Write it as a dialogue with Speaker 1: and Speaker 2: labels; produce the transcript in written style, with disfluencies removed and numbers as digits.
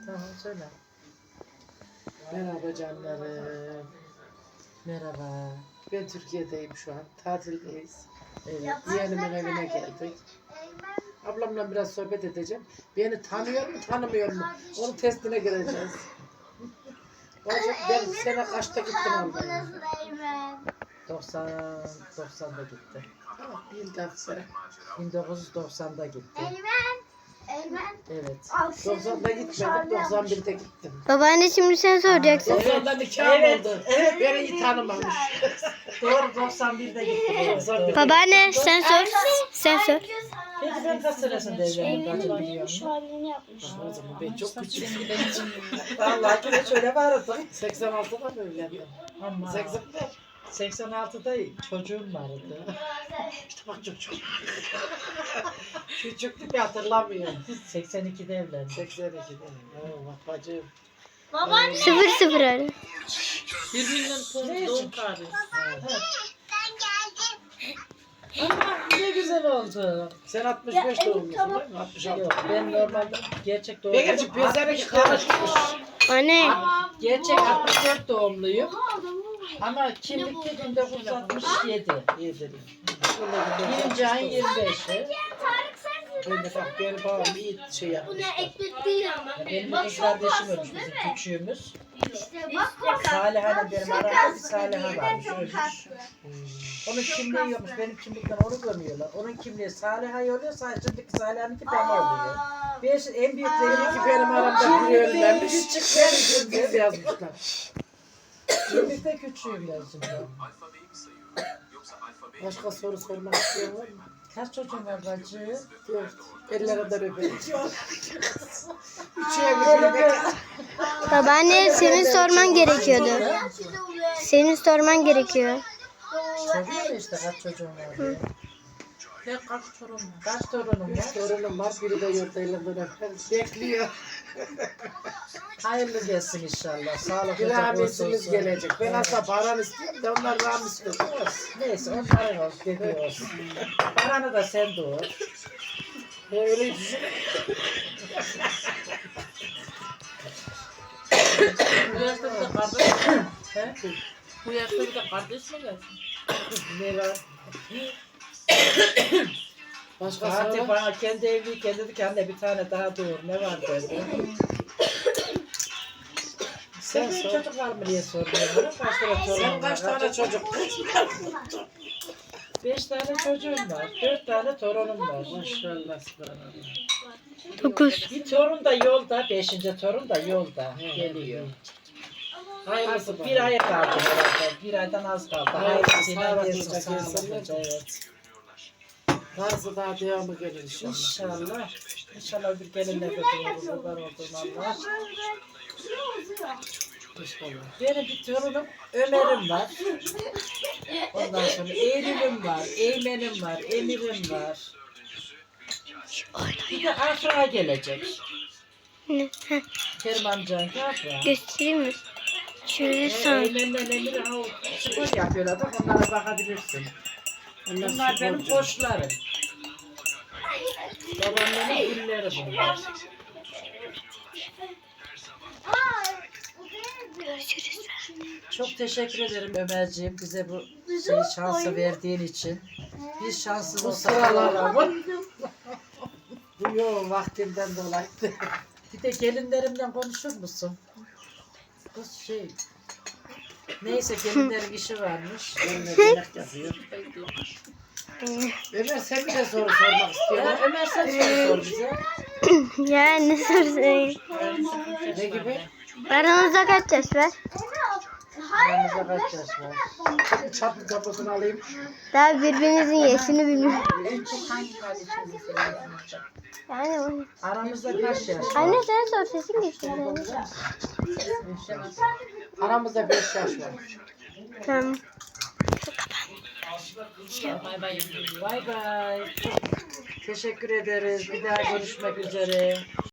Speaker 1: Tamam söyle.
Speaker 2: Merhaba canlarım.
Speaker 1: Merhaba.
Speaker 2: Ben Türkiye'deyim şu an. Tatildeyiz.
Speaker 1: Evet.
Speaker 2: Yeğenimin evine geldik. Ablamla biraz sohbet edeceğim. Beni tanıyor mu tanımıyor mu? Onun testine gireceğiz. Ben sene kaçta gittim Almanya'ya?
Speaker 1: 90'da gitti.
Speaker 2: Bir dakika.
Speaker 1: 1990'da gitti. Evet.
Speaker 2: 90'da gitmedim, 91'de gittim.
Speaker 3: Babaanne şimdi sen soracaksın.
Speaker 2: 90'da nikahım
Speaker 1: Evet,
Speaker 2: oldu.
Speaker 1: evet.
Speaker 2: Beni iyi tanımamış.
Speaker 1: Doğru 91'de gitti. Evet, doğru.
Speaker 3: Babaanne sen sor. Sen sor.
Speaker 1: Peki ben kaç senesinde evlendim? Bacım biliyor musun?
Speaker 2: O zaman ben çok küçüğüm.
Speaker 1: Vallahi de şöyle vardı.
Speaker 2: 86'da mı evlendim?
Speaker 1: Ama
Speaker 2: 80'de.
Speaker 1: 86'da çocuğum vardı.
Speaker 2: İşte bak çok. Küçüktü bir hatırlamıyorum.
Speaker 1: 82'de evlendim.
Speaker 2: 82'de. Oo, bak bacım.
Speaker 3: 0-0 öyle.
Speaker 1: Birbirinden doğum tarihi. Ama ne güzel oldu.
Speaker 2: Sen 65 doğumlusun değil mi? 66.
Speaker 1: Yok ben normalde gerçek doğum.
Speaker 2: Ne gerçi pezerek karışmış.
Speaker 3: Anne.
Speaker 1: Gerçek 64 doğumluyum. Ama kimlikte 1967. Birinci ayın 25'i.
Speaker 2: Ben de bak benim babam iyi şey yapmış.
Speaker 1: Benim iki kardeşim ölmüş bizim küçüğümüz. Saliha'yla benim aramda bir Saliha varmış ölmüş. Onun kimliği yokmuş. Benim kimlikten onu gömüyorlar. Onun kimliği Saliha'ya oluyor. Şimdiki Saliha'nınki bana oluyor. Beş, en büyüklerim
Speaker 2: Ki benim aramda biri ölmemiş.
Speaker 1: Küçüklerim
Speaker 2: Biz yazmışlar.
Speaker 1: Kimlikte küçüğüm ben şimdi.
Speaker 2: Başka soru sormak isteyen var mı?
Speaker 1: Kaç çocuğun var bacı?
Speaker 2: 4. Ellere de öpelim. Üçüye bir bebek.
Speaker 3: Babaanne senin sorman gerekiyordu. Senin sorman gerekiyor.
Speaker 1: Soruyor işte kaç çocuğun var diye. Kaç torunum var?
Speaker 2: 3 torunum var. Biri de yurtta ellerinden öper. Bekliyor.
Speaker 1: Hayırlı gelsin inşallah. Sağlık
Speaker 2: Bir
Speaker 1: hocam
Speaker 2: rahmetimiz
Speaker 1: olsun.
Speaker 2: gelecek. Ben aslında paran istiyorum da onlar rahmet istiyor.
Speaker 1: Neyse onların olsun dediği olsun. Paranı da sen doğur.
Speaker 2: Öyle düşün.
Speaker 4: Bu yaşta bir de kardeş mi?
Speaker 1: He?
Speaker 4: Bu yaşta bir de kardeş mi gelsin?
Speaker 1: Ne var?
Speaker 2: Başka
Speaker 1: Fatih
Speaker 2: soru?
Speaker 1: bana kendi evliyken dedi ki anne bir tane daha doğur. Ne var dedi. Sen benim
Speaker 2: sor.
Speaker 1: çocuk var mı diye soruyor. Kaç tane
Speaker 2: Sen
Speaker 1: torunum
Speaker 2: kaç
Speaker 1: var?
Speaker 2: tane çocuk?
Speaker 1: 5 tane çocuğum var. 4 tane torunum var.
Speaker 2: Maşallah. Subhanallah.
Speaker 3: 9.
Speaker 1: Bir torun da yolda. 5. torun da yolda. Geliyor.
Speaker 2: Hayırlısı
Speaker 1: Artık bir ay kaldı herhalde. Bir aydan az kaldı. Hayırlısıyla
Speaker 2: sağlıklıca
Speaker 1: gelsin. Sağlıklıca,
Speaker 2: gelsinler.
Speaker 1: evet.
Speaker 2: Varsa daha devamı gelir inşallah.
Speaker 1: İnşallah. İnşallah bir gelinle götürürüz. Kurban olduğum Allah.
Speaker 2: İnşallah.
Speaker 1: Benim bir torunum Ömer'im var. Ondan sonra Eylül'üm var. Eymen'im var. Emir'im var. Bir de Afra gelecek.
Speaker 3: Ne? Heh,
Speaker 1: Kerim amcanın Afra.
Speaker 3: göstereyim mi? Şöyle san.
Speaker 1: Eymen'le Emir'e spor yapıyorlar da onlara bakabilirsin. Bunlar benim koçlarım. Babamların illeri bunlar. Çok teşekkür ederim Ömerciğim bize bu şansı verdiğin için. Biz şanssız
Speaker 2: Bu
Speaker 1: olsak
Speaker 2: sıralar bu yoğun vaktimden dolayı.
Speaker 1: bir de gelinlerimle konuşur musun? Bu neyse gelinlerin işi varmış.
Speaker 2: Benimle yemek yapıyor. Ömer sen bir de soru sormak istiyorsun.
Speaker 1: Ömer sen sor bize.
Speaker 3: Ya ne sorayım?
Speaker 2: Ne gibi?
Speaker 3: Aranızda kaç yaş var?
Speaker 1: Aramızda kaç yaş var?
Speaker 2: Çatlı kapısını alayım.
Speaker 3: Daha birbirinizin yaşını bilmiyorum.
Speaker 1: En çok hangi kardeşimizi seviyorsun?
Speaker 3: Yani o-
Speaker 1: Aramızda kaç yaş var?
Speaker 3: Anne sen sor sesin geçiyor.
Speaker 2: Aramızda 5 yaş var.
Speaker 3: Tamam.
Speaker 4: Bay bay.
Speaker 1: Bay bay. Teşekkür ederiz. Bir daha görüşmek üzere.